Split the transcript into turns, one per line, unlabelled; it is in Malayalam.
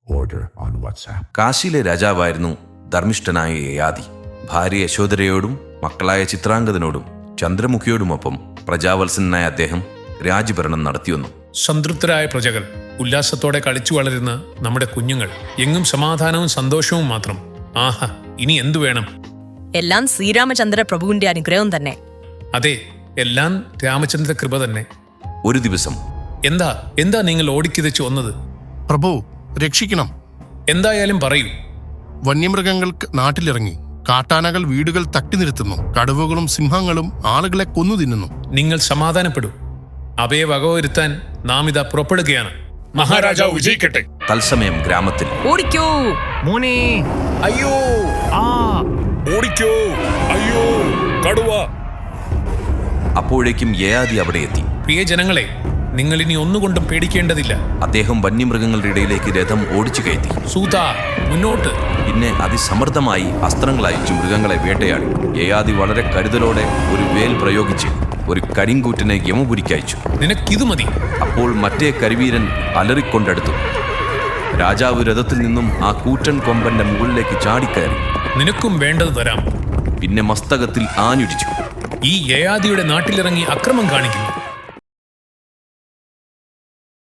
order on WhatsApp.
കാശിയിലെ രാജാവായിരുന്നു ധർമ്മിഷ്ഠനായ യയാതി. ഭാര്യ യശോധരയോടും മക്കളായ ചിത്രാംഗതനോടും ചന്ദ്രമുഖിയോടുമൊപ്പം പ്രജാവത്സനായ അദ്ദേഹം രാജ്യഭരണം നടത്തിവന്നു.
സംതൃപ്തരായ പ്രജകൾ, ഉല്ലാസത്തോടെ കളിച്ചു വളരുന്ന നമ്മുടെ കുഞ്ഞുങ്ങൾ, എങ്ങും സമാധാനവും സന്തോഷവും മാത്രം. ആഹാ, ഇനി എന്തു വേണം?
എല്ലാം ശ്രീരാമചന്ദ്ര പ്രഭുവിന്റെ അനുഗ്രഹം തന്നെ.
അതെ, എല്ലാം രാമചന്ദ്ര കൃപ തന്നെ.
ഒരു ദിവസം
എന്താ നിങ്ങൾ ഓടിക്കിതച്ചു വന്നത്?
പ്രഭു, രക്ഷിക്കണം.
എന്തായാലും പറയൂ.
വന്യമൃഗങ്ങൾക്ക് നാട്ടിലിറങ്ങി. കാട്ടാനകൾ വീടുകൾ തട്ടി നിർത്തുന്നു. കടുവകളും സിംഹങ്ങളും ആളുകളെ കൊന്നു തിന്നുന്നു.
നിങ്ങൾ സമാധാനപ്പെടൂ. അവയെ വകവരുത്താൻ നാം ഇതാ പുറപ്പെടുകയാണ്.
മഹാരാജാവ് വിജയിക്കട്ടെ.
തത്സമയം ഗ്രാമത്തിൽ
ഓടിക്കോ
മോനെ,
അയ്യോ,
ഓടിക്കോ, അയ്യോ, കടുവ.
അപ്പോഴേക്കും യയാതി അവിടെ എത്തി.
പ്രിയ ജനങ്ങളെ, നിങ്ങൾ ഇനി ഒന്നുകൊണ്ടും പേടിക്കേണ്ടതില്ല.
അദ്ദേഹം വന്യമൃഗങ്ങളുടെ ഇടയിലേക്ക് രഥം ഓടിച്ചു കയറ്റി.
സൂത, മുന്നോട്ട്.
പിന്നെ അതിസമർത്ഥമായി അസ്ത്രങ്ങൾ അയച്ചു മൃഗങ്ങളെ വേട്ടയാടി. യയാതി വളരെ കരുതലോടെ ഒരു വേൽ പ്രയോഗിച്ച് ഒരു കരിങ്കൂറ്റിനെ യമപുരിക്കയച്ചു.
നിനക്കിതു മതി.
അപ്പോൾ മറ്റേ കരിവീരൻ അലറിക്കൊണ്ടടുത്തു. രാജാവ് രഥത്തിൽ നിന്നും ആ കൂറ്റൻ കൊമ്പന്റെ മുകളിലേക്ക് ചാടിക്കയറി.
നിനക്കും വേണ്ടത് തരാം.
പിന്നെ മസ്തകത്തിൽ ആഞ്ഞുടിച്ചു.
ഈ യയാതിയുടെ നാട്ടിലിറങ്ങി അക്രമം കാണിക്കുന്നു.